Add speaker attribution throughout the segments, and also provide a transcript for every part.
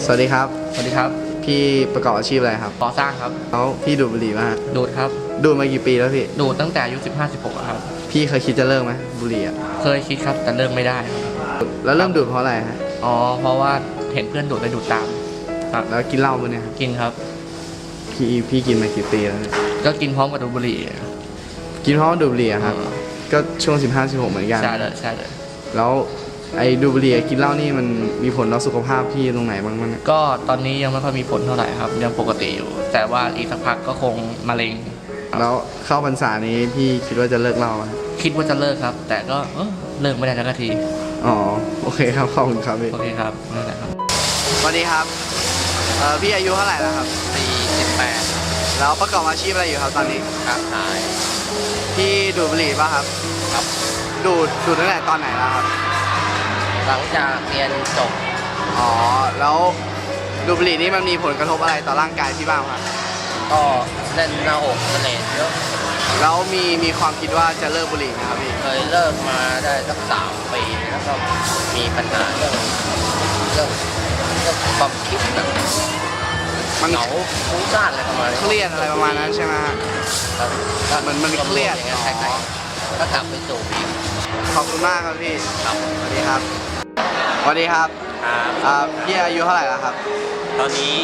Speaker 1: สวัสดีครับ
Speaker 2: สวัสดีครับ
Speaker 1: พี่ประกอบอาชีพอะไรครับ
Speaker 2: ก่อสร้างครับ
Speaker 1: แล้วพี่ดูดบุหรี่มาฮะ
Speaker 2: ดูดครับ
Speaker 1: ดูดมากี่ปีแล้วพี่
Speaker 2: ดูดตั้งแต่อายุ15-16ครับ
Speaker 1: พี่เคยคิดจะเลิกไหมบุหรี่อ่ะ
Speaker 2: เคยคิดครับแต่เริ่มไม่ได้ครับ
Speaker 1: แล้วเริ่มดูดเพราะอะไรฮะ
Speaker 2: อ๋อเพราะว่าเห็นเพื่อนดูดเลยดูดตามครับ
Speaker 1: แล้วกินเหล้ามั้ยเนี่ยครับ
Speaker 2: กินครับ
Speaker 1: พี่กินมากี่ปีแล้วเนี่ย
Speaker 2: ก็กินพร้อมกับดูดบุหรี่
Speaker 1: กินเพราะว่าดูดบุหรี่อะครับ ก็ช่วง 15-16เหมือนกัน
Speaker 2: ใช่เลยใช่เลย
Speaker 1: แล้วไอ้ดูดบุหรี่กับกินเหล้านี่มันมีผลต่อสุขภาพพี่ตรงไหนบ้างมั้ย
Speaker 2: ก็ตอนนี้ยังไม่ค่อยมีผลเท่าไหร่ครับยังปกติอยู่ แต่ว่าอีกสักพักก็คงมะเร็ง
Speaker 1: แล้วเข้าพรรษานี้พี่คิดว่าจะเลิกเหล้าไหม
Speaker 2: คิดว่าจะเลิกครับ แต่ก็เลิกไม่ได้สักที
Speaker 1: อ๋อโอเคครับขอบคุณครับพี่
Speaker 2: โอเคครับนั่นแหละครับ
Speaker 1: สวัสดีครับพี่อายุเท่าไหร่แล้วครับ
Speaker 2: 48
Speaker 1: แล้วประกอบอาชีพอะไรอยู่ครับตอนนี้
Speaker 2: ค้าขาย
Speaker 1: พี่ดูดบุหรี่ป่ะครับ
Speaker 2: ครับ
Speaker 1: ดูดตั้งแต่ตอนไหนแล้วครับ
Speaker 2: หลังจากเรียนจบ
Speaker 1: อ๋อ แล้วดูดบุหรี่นี่มันมีผลกระทบอะไรต่อร่างกายพี่บ้างครับ
Speaker 2: ก็เล่นหน้าอกเสน่ห์เยอะ
Speaker 1: แล้วมีความคิดว่าจะเลิกบุหรี่ไหมครับพี่
Speaker 2: เคยเลิกมาได้สัก3 ปีแล้วก็มีปัญหาเรื่องความคิดแบบ
Speaker 1: มัน
Speaker 2: เหงาฟุ้งซ่านอะไรประมาณนี้
Speaker 1: เครียดอะไรประมาณนั้นใช่ไหมฮะ
Speaker 2: ครับ
Speaker 1: มันเครียด
Speaker 2: อย่างเงี้ย
Speaker 1: อ๋อ
Speaker 2: ใช่ๆก็กลับไปสู่พีค
Speaker 1: ขอบคุณมากครับพี่
Speaker 2: ครับ
Speaker 1: สวัสดีครับสวัสดีครับพี่อายุเท่าไหร่แล้วครับ
Speaker 3: ตอนนี้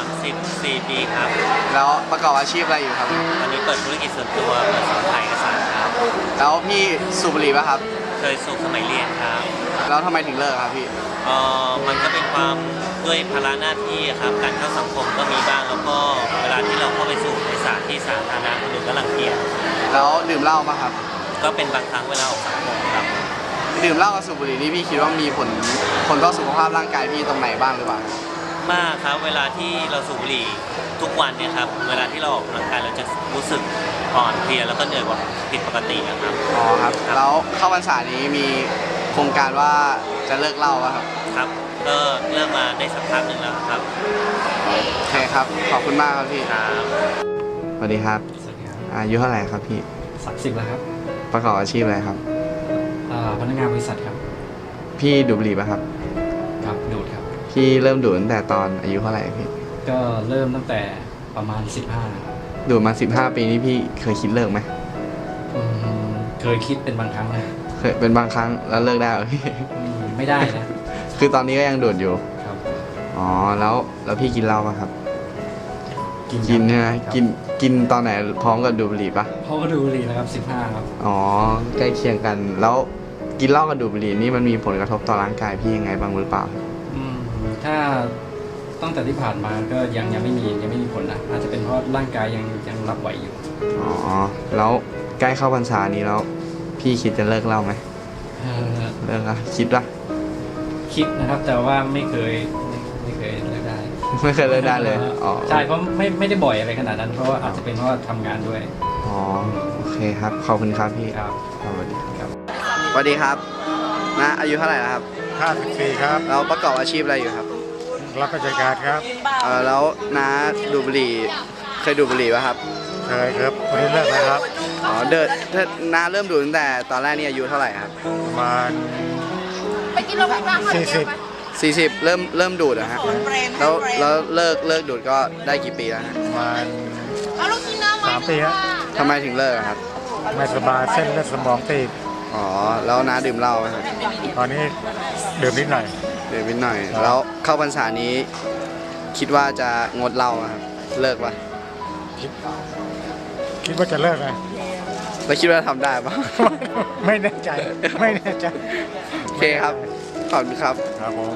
Speaker 3: 34 ปีครับ
Speaker 1: แล้วประกอบอาชีพอะไรอยู่ครับ
Speaker 3: ตอนนี้เปิดธุรกิจส่วนตัวเปิดสอนถ่ายเอกสารครับ
Speaker 1: แล้วพี่สูบบุหรี่ป่ะครับ
Speaker 3: เคยสูบสมัยเรียนครับ
Speaker 1: แล้วทำไมถึงเลิกครับพี่
Speaker 3: มันก็เป็นความด้วยภาระหน้าที่ครับ การเข้าสังคมก็มีบ้าง แล้วก็เวลาที่เราเข้าไปสูบในสถานที่สาธารณะคนอื่นก็รังเกียจ
Speaker 1: แล้วดื่มเหล้าป่ะครับ
Speaker 3: ก็เป็นบางครั้งเวลาออกสังคมครับ
Speaker 1: ดื่มเหล้ากับสูบบุหรี่นี่พี่คิดว่ามีผลต่อสุขภาพร่างกายพี่ตรงไหนบ้างหรือเปล่า
Speaker 3: มากครับ เวลาที่เราสูบบุหรี่ทุกวันเนี่ยครับ เวลาที่เราออกกำลังกายเราจะรู้สึกอ่อนเพลียแล้วก็เหนื่อยกว่าผิดปกตินะครับ
Speaker 1: อ๋อครับ แล้วเข้าพรรษานี้มีโครงการว่าจะเลิกเหล้าป่ะครับ
Speaker 3: ครับ ก็เริ่มมาได้สักพักหนึ่งแล้วครับ
Speaker 1: โอเคครับ ขอบคุณมากครับพี่
Speaker 3: ครับ
Speaker 1: สวัสดีครับ
Speaker 4: สวัสดีครับ
Speaker 1: อายุเท่าไหร่ครับพี่
Speaker 4: 30แล้วครับ
Speaker 1: ประกอบอาชีพอะไรครับ
Speaker 4: พนักงานบริษัทครับ
Speaker 1: พี่ดูดบุหรี่ป่ะครับ
Speaker 4: ครับดูดครับ
Speaker 1: พี่เริ่มดูดตั้งแต่ตอนอายุเท่าไหร่พี่
Speaker 4: ก็เริ่มตั้งแต่ประมาณ 15นะครับ
Speaker 1: ดูดมา 15 ปีนี่พี่เคยคิดเลิกไหม
Speaker 4: อืมเคยคิดเป็นบางครั้งนะ
Speaker 1: เคยเป็นบางครั้งแล้วเลิกได้เหรอพี่
Speaker 4: ไม่ได้นะ
Speaker 1: คือตอนนี้ก็ยังดูดอยู่
Speaker 4: ครับ
Speaker 1: อ๋อ แล้วพี่กินเหล้าป่ะครับ กิน
Speaker 4: ค
Speaker 1: ใช่
Speaker 4: รับ
Speaker 1: ไหม
Speaker 4: ครับ
Speaker 1: กินตอนไหนพร้อมกับดูดบุหรี่ป่ะ
Speaker 4: เขาก็ดูดีนะครับ 15ครับ
Speaker 1: อ๋อ ใกล้เคียงกัน แล้วกินเหล้ากับดูดบุหรี่นี่มันมีผลกระทบต่อร่างกายพี่ยังไงบ้างหรือเปล่า
Speaker 4: อืมถ้าตั้งแต่ที่ผ่านมาก็ยังไม่มีผลนะอาจจะเป็นเพราะร่างกายยังรับไหวอยู่
Speaker 1: อ๋อ แล้วใกล้เข้าพรรษานี้แล้ว พี่คิดจะเลิกเหล้าไหม
Speaker 4: เอ่อ
Speaker 1: เลิกอะคิดป่ะ
Speaker 4: คิดนะครับแต่ว่าไม่เคยเลิกได้
Speaker 1: ไม่เคยเลิกได้เลย อ๋อ
Speaker 4: ใช่เพราะไม่ได้บ่อยอะไรขนาดนั้นเพราะว่าอาจจะเป็นเพราะว่าทำงานด้วย
Speaker 1: อ๋อ โอเคครับ ขอบคุณครับพี่
Speaker 4: ครับ
Speaker 1: สวัสดี
Speaker 4: ครับ
Speaker 1: สวัสดีครับนะอายุเท่าไหร่แล้วครับ
Speaker 5: 54ครับ
Speaker 1: เราประกอบอาชีพอะไรอยู่ครับ
Speaker 5: รับราชการครับ
Speaker 1: แล้วน้าดูดบุหรี่เคยดูดบุหรี่ป่ะครับ
Speaker 5: เคยครับวันนี้เลิกแล้วครับ
Speaker 1: อ๋อถ้าน้าเริ่มดูดตั้งแต่ตอนแรกนี่อายุเท่าไหร่ครับ
Speaker 5: ประมาณ
Speaker 6: ไปกินโรงพยาบาลก่อน
Speaker 1: 40 เริ่มดูดนะฮะแล้วเลิกดูดก็ได้กี่ปีแล้วฮะ
Speaker 5: ประมาณ
Speaker 6: เอาลูกชิ้นเนื้อมา
Speaker 5: 3 ปีครับ
Speaker 1: ทำไมถึงเลิกอะครับ
Speaker 5: ไม่สบายเส้นเลือดสมองตีบ
Speaker 1: อ๋อ แล้วน้าดื่มเหล้าไหมครับ
Speaker 5: ตอนนี้ดื่มนิดหน่อย
Speaker 1: ดื่มนิดหน่อย แล้วเข้าพรรษานี้ คิดว่าจะงดเหล้าอะครับ เลิกปะ
Speaker 5: คิดว่าจะเลิกนะ
Speaker 1: แล้วคิดว่าทำได้ปะ
Speaker 5: ไม่แน่ใจ ไม่แน่ใจ
Speaker 1: โอเคครับ ขอบคุณครับ
Speaker 5: ครับผม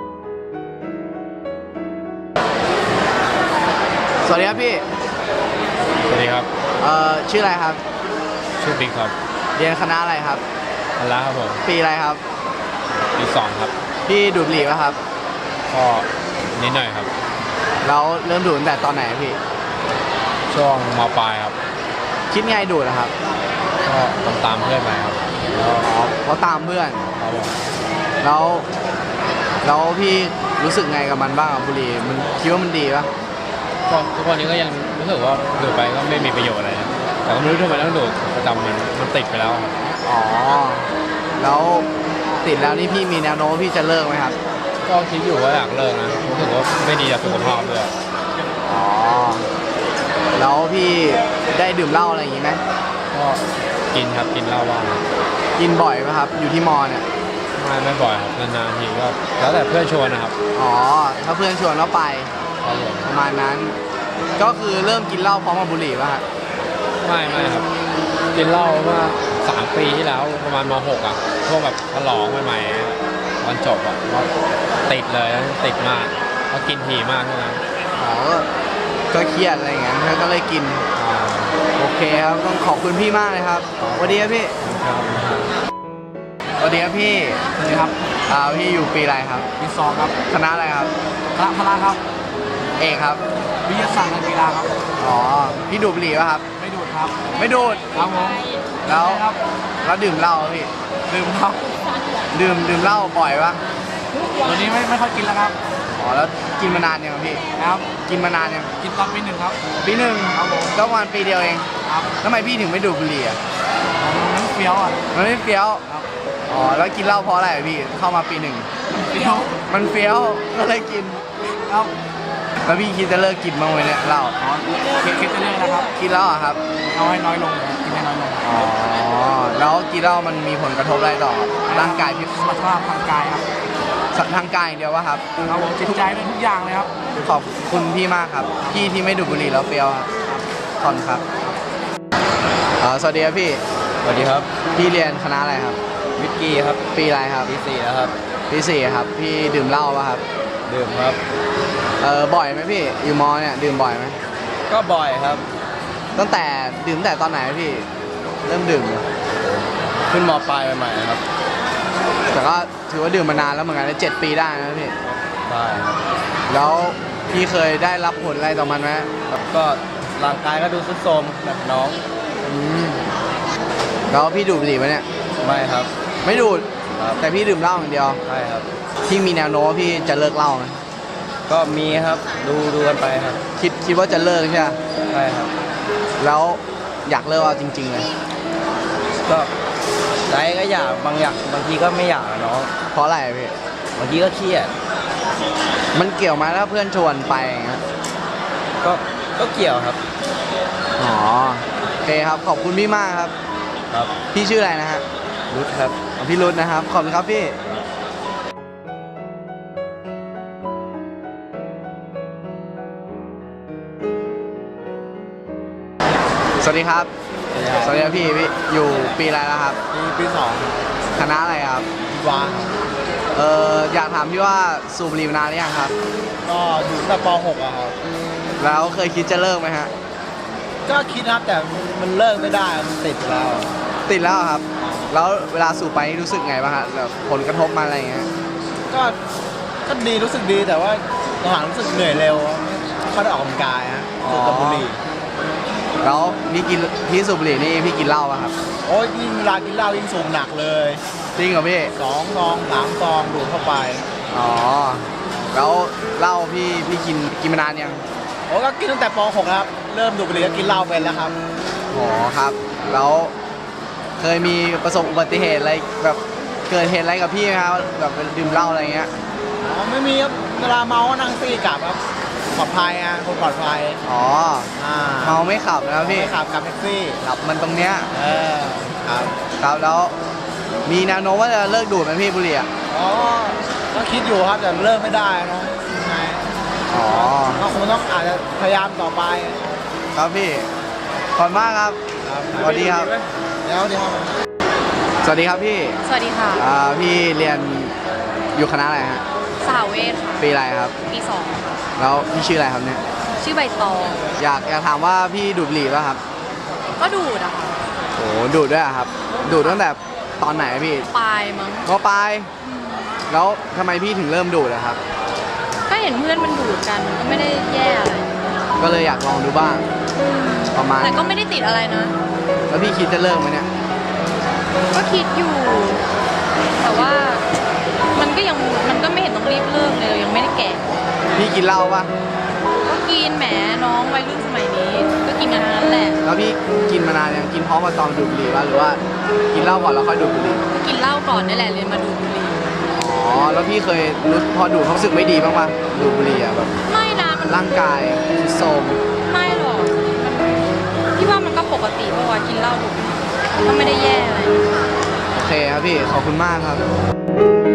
Speaker 1: สวัสดีครับพี่
Speaker 7: สวัสดีครับ
Speaker 1: ชื่ออะไรครับ
Speaker 7: ชื่อบิ๊กครับ
Speaker 1: เรียนคณะอะไรครับ
Speaker 7: อัลลาครับผม
Speaker 1: ปีอะไรครับ
Speaker 7: ปี2ครับ
Speaker 1: พี่ดูดบุหรี่ปะครับ
Speaker 7: ก็นิดหน่อยครับ
Speaker 1: แล้วเริ่มดูดตั้งแต่ตอนไหนพี่
Speaker 7: ช่วงมปลายครับ
Speaker 1: คิดไงดูดอะครับ
Speaker 7: ก็ตามเพื่อนไปครับ
Speaker 1: อ๋อ เพราะตามเพื่อน
Speaker 7: ครับผม
Speaker 1: แล้วพี่รู้สึกไงกับมันบ้างกับบุหรี่ มันคิดว่ามันดีปะ
Speaker 7: ก็ทุกวันนี้ก็ยังรู้สึกว่าดูดไปก็ไม่มีประโยชน์อะไรนะแต่ก็ไม่รู้ทำไมต้องดูดประจำมันติดไปแล้วครับ
Speaker 1: อ๋อ แล้วติดแล้วนี่พี่มีแนวโน้มพี่จะเลิกไหมครับ
Speaker 7: กก็คิดอยู่ว่าอยากเลิกนะรู้สึกว่าไม่ดีต่อสุขภาพด้วย
Speaker 1: อ๋อ แล้วพี่ได้ดื่มเหล้าอะไรอย่างงี้ไหม
Speaker 7: ก็กินครับกินเหล้าบ้างครับ
Speaker 1: กินบ่อยไหมครับ อยู่ที่มอเนี่ย
Speaker 7: ไม่บ่อยครับนานๆทีก็แล้วแต่เพื่อนชวนนะครับ
Speaker 1: อ๋อ ถ้าเพื่อนชวนก็ไป
Speaker 7: ครับผม
Speaker 1: ประมาณนั้น ก็คือเริ่มกินเหล้าพร้อมกับบุหรี่ป่ะฮะ
Speaker 7: ไม่ครับกินเหล้าเมื่อ3 ปีที่แล้วประมาณม .6 อ่ะช่วงแบบฉลองใหม่ๆตอนจบอ่ะก็ติดเลยติดมากก็กินถี่มากเท่านั้น
Speaker 1: อ๋อ ก็เครียดอะไรอย่างเงี้ยก็เลยกิน โอเคครับ ต้องขอบคุณพี่มากเลยครับสวัสดีครับพี่ สวัสดีครับพี่สวัสดีครับพี่อยู่ปีอะไรครับ
Speaker 4: ปี 2 ครับ
Speaker 1: คณะอะไรครับ
Speaker 4: คณะพละครับ
Speaker 1: เอกครับ
Speaker 4: วิทยาศาสตร์การกีฬาครับ
Speaker 1: อ๋อ พี่ดูดบุหรี่ป่ะครับ
Speaker 4: ไม่ดูดครับ
Speaker 1: ไม่ดูด
Speaker 4: ครับผม
Speaker 1: แล้ว
Speaker 4: ครับ
Speaker 1: แล้วดื่มเหล้าป่ะพี่
Speaker 4: ดื่มครับ
Speaker 1: ดื่มเหล้าบ่อยป่ะ
Speaker 4: วันนี้ไม่ค่อยกินแล้วครับ
Speaker 1: อ๋อ แล้วกินมานานยังครับพี่
Speaker 4: ครับ
Speaker 1: กินมานานยัง
Speaker 4: กินตอนปี 1ครับ
Speaker 1: ปีหนึ่ง
Speaker 4: ครับผม
Speaker 1: ก็ประมาณปีเดียวเอง
Speaker 4: ครับ
Speaker 1: ทำไมพี่ถึงไม่ดูดบุหรี่อ่ะ
Speaker 4: มันเฟี้ยวอ่ะ
Speaker 1: มันไม่เฟี้ยว
Speaker 4: ครับ
Speaker 1: อ๋อ แล้วกินเหล้าเพราะอะไรอะพี่ เข้ามาปีหนึ่ง
Speaker 4: เฟี้ยว
Speaker 1: มันเฟี้ยว ก็เลยกิน
Speaker 4: ครับ
Speaker 1: แล้วพี่คิดจะเลิกกินบ้างไหมเนี่ยเหล้า
Speaker 4: อ๋อคิดจะเลิกนะครับ
Speaker 1: กินแล้วอะครับ
Speaker 4: เอาให้น้อยลงกินให้น้อยลง
Speaker 1: อ๋อ แล้วกินเหล้ามันมีผลกระทบอะไรต่อร่างกายพี่
Speaker 4: สุขภาพทางกายครับ
Speaker 1: ทางกายอย่างเดียววะครับ
Speaker 4: ครับผมจิตใจเป็นทุกอย่างเลยครับ
Speaker 1: ขอบคุณพี่มากครับ พี่ที่ไม่ดูดบุหรี่แล้วเฟี้ยวครับขอบคุณครับสวัสดีครับพี่
Speaker 7: สวัสดีครับ
Speaker 1: พี่เรียนคณะอะไรครับ
Speaker 7: วิกกี้ครับ
Speaker 1: ปีอะไรครับ
Speaker 7: ปี 4แล้วครับ
Speaker 1: ปีสี่ครับ พี่ดื่มเหล้าป่ะครับ
Speaker 7: ดื่มครับ
Speaker 1: บ่อยไหมพี่ อยู่มอเนี่ยดื่มบ่อยไหม
Speaker 7: ก็บ่อยครับ
Speaker 1: ตั้งแต่ดื่มตั้งแต่ตอนไหนพี่ เริ่มดื่ม
Speaker 7: ขึ้นมปลายใหม่ๆครับ
Speaker 1: แต่ก็ถือว่าดื่มมานานแล้วเหมือนกันนะ7 ปีได้นะพี่
Speaker 7: ได้ครับ
Speaker 1: แล้วพี่เคยได้รับผลอะไรต่อมันไหม
Speaker 7: ก็ร่างกายก็ดูทรุดโทรมแบบน้อง
Speaker 1: แล้วพี่ดูดบุหรี่ไหมเนี่ย
Speaker 7: ไม่ครับ
Speaker 1: ไม่ดูด
Speaker 7: ครับ
Speaker 1: แต่พี่ดื่มเหล้าอย่างเดียว
Speaker 7: ใช่ครับ
Speaker 1: พี่มีแนวโน้มว่าพี่จะเลิกเหล้าไหม
Speaker 7: ก็มีครับดูกันไปครับ
Speaker 1: คิดว่าจะเลิกใช่ไหม
Speaker 7: ใช่ครับ
Speaker 1: แล้วอยากเลิกเอาจริงๆเลย
Speaker 7: ก็ใจก็อยากบางทีก็ไม่อยากอะน้อง
Speaker 1: เพราะอะไรอะพี่
Speaker 7: บางทีก็เครียด
Speaker 1: มันเกี่ยวไหมถ้าเพื่อนชวนไปอย่างเงี้ย
Speaker 7: ก็เกี่ยวครับ
Speaker 1: อ๋อโอเคครับขอบคุณพี่มากครับ
Speaker 7: ครับ
Speaker 1: พี่ชื่ออะไรนะฮะ
Speaker 7: รุดครับ
Speaker 1: พี่รุธนะครับขอบคุณครับพี่สวัสดีครับ สวัสดีครับพี่อยู่ปีอะไรแล้วครับ
Speaker 7: ปี
Speaker 1: คณะอะไรครับ
Speaker 7: 2วาง
Speaker 1: อยากถามพี่ว่าสูบบุหรี่มานานหรือยังครับ
Speaker 7: ก็อยู่ตั้งแต่ป .6 อะครับ
Speaker 1: แล้วเคยคิดจะเลิกไหมฮะ
Speaker 7: ก็คิดนะครับแต่มันเลิกไม่ได้มันติดแล้ว
Speaker 1: ติดแล้วครับ แล้วเวลาสูบไปนี่รู้สึกไงบ้างฮะแบบผลกระทบมาอะไรอย่างเงี้ย
Speaker 7: ก็ดีรู้สึกดีแต่ว่าหลังๆรู้สึกเหนื่อยเร็วไม่ค่อยได้ออกกำลังกายฮะสูบกับบุหรี่
Speaker 1: แล้วพี่สูบบุหรี่นี่พี่กินเหล้าป่ะครับ
Speaker 7: โอ้ยยิ่งเวลากินเหล้ายิ่งสูบหนักเลย
Speaker 1: จริงเหรอพี่
Speaker 7: 2 ซอง 3 ซองดูดเข้าไป
Speaker 1: อ๋อ แล้วเหล้าพี่กินมานานยัง
Speaker 7: โอ้ก็กินตั้งแต่ป .6 ครับเริ่มดูดบุหรี่ก็กินเหล้าเป็นแล้วครับ
Speaker 1: อ๋อครับ แล้วเคยมีประสบอุบัติเหตุอะไรแบบเกิดเหตุอะไรกับพี่ไหมครับแบบดื่มเหล้าอะไรเงี้ย
Speaker 7: อ๋อไม่มีครับเวลาเมาก็นั่งซี่กลับครับปลอดภัยอ่ะคนปลอดภัย
Speaker 1: อ๋อ เมาไม่ขับนะครับพี่
Speaker 7: ไม่ขับกับแท็กซี่
Speaker 1: ขับมันตรงเนี้ย
Speaker 7: ครับ
Speaker 1: ครับแล้วมีแนวโน้มว่าจะเลิกดูดไหมพี่บุหรี่อะ
Speaker 7: อ๋อก็คิดอยู่ครับแต่เลิกไม่ได้เนาะยังไง
Speaker 1: อ๋อ
Speaker 7: ก็คงต้องอาจจะพยายามต่อไป
Speaker 1: ครับพี่ ขอบคุณมากครับ สวัสดีครับ
Speaker 7: เดี๋ยวครับ
Speaker 1: สวัสดีครับพี่
Speaker 6: สวัสดีค่ะ
Speaker 1: พี่เรียนอยู่คณะอะไรฮะ
Speaker 6: สาวเวทค่ะ
Speaker 1: ปีอะไรครับ
Speaker 6: ปี
Speaker 1: แล้วพี่ชื่ออะไรครับเนี่ย
Speaker 6: 2 ชื่อใบตอง
Speaker 1: อยากถามว่าพี่ดูดบุหรี่ป่ะครับ
Speaker 6: ก็ดูดอะค่ะ
Speaker 1: โอ้ดูดด้วยอะครับ ดูดตั้งแต่ตอนไหนพี่
Speaker 6: ปลายมั้ง
Speaker 1: มปลาย แล้วทำไมพี่ถึงเริ่มดูดอะครับ
Speaker 6: ก็เห็นเพื่อนมันดูดกันมันก็ไม่ได้แย่อะไร
Speaker 1: ก็เลยอยากลองดูบ้าง ประมาณ
Speaker 6: แต่ก็ไม่ได้ติดอะไรนะ
Speaker 1: แล้วพี่คิดจะเลิกไหมเนี่ย
Speaker 6: ก็คิดอยู่ แต่ว่ามันก็ไม่เห็นต้องรีบเลิกเลยเรายังไม่ได้แก่
Speaker 1: พี่กินเหล้าป่ะ
Speaker 6: ก็กินแหมน้องวัยรุ่นสมัยนี้ ก็กินกันทั้งนั้นแหละ
Speaker 1: แล้วพี่กินมานานยังกินพร้อมกับตอนดูดบุหรี่ป่ะหรือว่ากินเหล้าก่อนแล้วค่อยดูดบุหรี่
Speaker 6: กินเหล้าก่อนนี่แหละเลยมาดูดบุหรี่
Speaker 1: อ๋อแล้วพี่เคยรู้พอดูดเขารู้สึกไม่ดีบ้างปะดูดบุหรี่อะแบบ
Speaker 6: ไม่นะมัน
Speaker 1: ร่างกายทรุดโทรม
Speaker 6: ไม่หรอกพี่ว่ามันก็ปกติเพราะว่ากินเหล้าถูกก็ไม่ได้แย่อะไร
Speaker 1: โอเคครับพี่ขอบคุณมากครับ